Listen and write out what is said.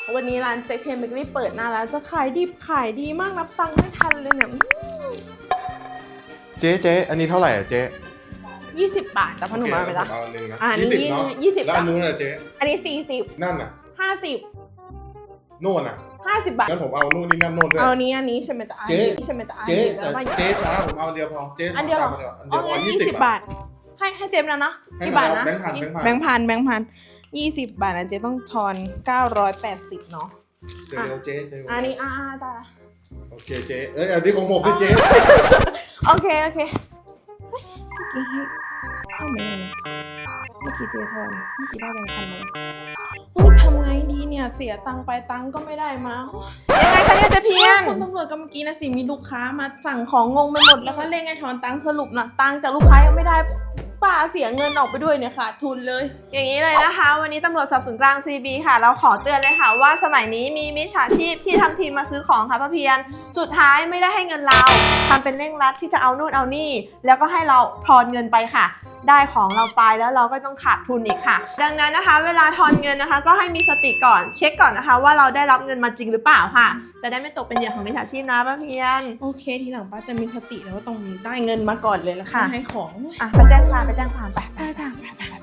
วันนี้ร้านเจ๊เพนเบเกอรี่เปิดหน้าแล้วจะขายดิบขายดีมากนับตังค์ไม่ทันเลยเนี่ยเจ๊อันนี้เท่าไหร่อ่ะเจ๊ 20 บาทแต่พอหนูมาไปละเอาหนึ่งนะอันนี้เนาะ 20 แล้วอันนู้นอ่ะเจ๊อันนี้40 นั่นอ่ะ 50 โน่นอ่ะ 50 บาทงั้นผมเอานู่นนี่นั่นโน่นด้วยเอาอันนี้ใช่ไหมจ๊ะเจ๊ใช่ไหมจ๊ะเจ๊ช้าผมเอาเดียวพอเจ๊อันเดียวเหรออันอ๋อเดียวพองั้น20 บาทให้เจมส์แล้วนะกี่บาทนะแบงค์พันแบงค์พัน20 บาทนะเจ๊ต้องทอน980เนาะเจ๊อันนี้ตาโอเคเจ๊อันนี้ของผมด้วยเจ๊โอเคเฮ้ยเมื่อกี้เจ๊ทอนเมื่อกี้ได้แบงค์พันเลยโอ้ยทำไงดีเนี่ยเสียตังค์ไปตังค์ก็ไม่ได้มายังไงคะเนี่ยเจ๊เพียนคุณตำรวจก็เมื่อกี้นะสิมีลูกค้ามาสั่งของงงไปหมดแล้วก็เร่งให้ถอนตังค์สรุปนะตังค์จากลูกค้ายังไม่ได้ป้าเสียเงินออกไปด้วยเนี่ยขาดทุนเลยอย่างนี้เลยนะคะวันนี้ตำรวจสอบสวนกลาง CB ค่ะเราขอเตือนเลยค่ะว่าสมัยนี้มีมิจฉาชีพที่ทำทีมาซื้อของค่ะป้าเพียรสุดท้ายไม่ได้ให้เงินเราทำเป็นเร่งรัดที่จะเอานู่นเอานี่แล้วก็ให้เราทอนเงินไปค่ะได้ของเราไปแล้วเราก็ต้องขาดทุนอีกค่ะดังนั้นนะคะเวลาทอนเงินนะคะก็ให้มีสติก่อนเช็คก่อนนะคะว่าเราได้รับเงินมาจริงหรือเปล่าค่ะจะได้ไม่ตกเป็นเหยื่อของมิจฉาชีพนะป้าเพียรโอเคทีหลังป้าจะมีสติแล้วว่าต้องได้เงินมาก่อนเลยแล้วค่อยให้ของไปแจ้งความไปไปจ้ะไป